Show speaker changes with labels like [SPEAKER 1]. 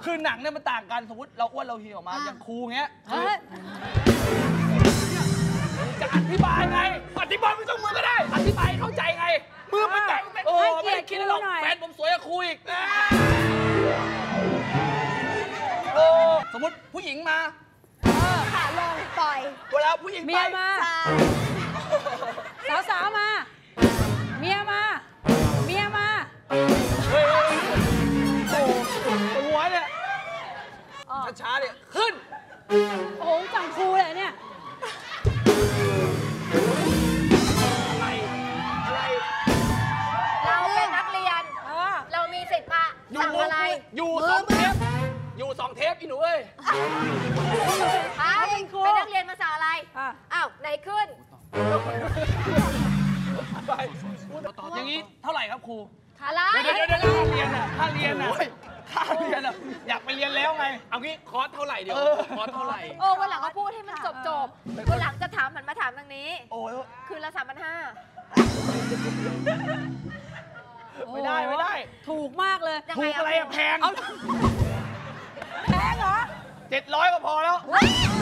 [SPEAKER 1] คือหนังเนี่ยมันต่างกันสมมติเราอ้วนเราเหี่ยวมาอย่างครูเงี้ยจะอธิบายไงอธิบายไม่ต้องมือก็ได้อธิบายเข้าใจไงมือเป็นแต่ไม่ได้คิดหรอกแฟนผมสวยกว่าครูอีกสมมติผู้หญิงมา
[SPEAKER 2] ขาลงปล่อย
[SPEAKER 1] เวลาผู้หญิงไป
[SPEAKER 3] เมียมาสาวๆมาเมียมา
[SPEAKER 1] เฮ้ยโอ้หัวเนี่ยช้าๆเนี่ยขึ้น
[SPEAKER 3] โอ้จังครูเลยเนี่ย
[SPEAKER 1] อะไร
[SPEAKER 2] เราเป็นนักเรียนเรามีสิทธิ์มาสั่งอะไร
[SPEAKER 1] อยู่2 เทปอีหนูเอ้ย
[SPEAKER 2] เป็นนักเรียนมาสั่งอะไรอ้าวไหนขึ้น
[SPEAKER 1] อย่างนี้เท่าไหร่ครับครู
[SPEAKER 2] อะไร
[SPEAKER 1] เดี๋ยวค่าเรียนอยากไปเรียนแล้วไงเอางี้คอร์สเท่าไหร่เดี๋ยวคอร์สเท่าไหร่
[SPEAKER 2] วันหลังก็พูดให้มันจบวันหลังจะถามหันมาถามทางนี้คืนละ3,500
[SPEAKER 1] ไม่ได้
[SPEAKER 3] ถูกมากเลย
[SPEAKER 1] ถูกอะไรแพง
[SPEAKER 3] เหรอ
[SPEAKER 1] 700ก็พอแล้ว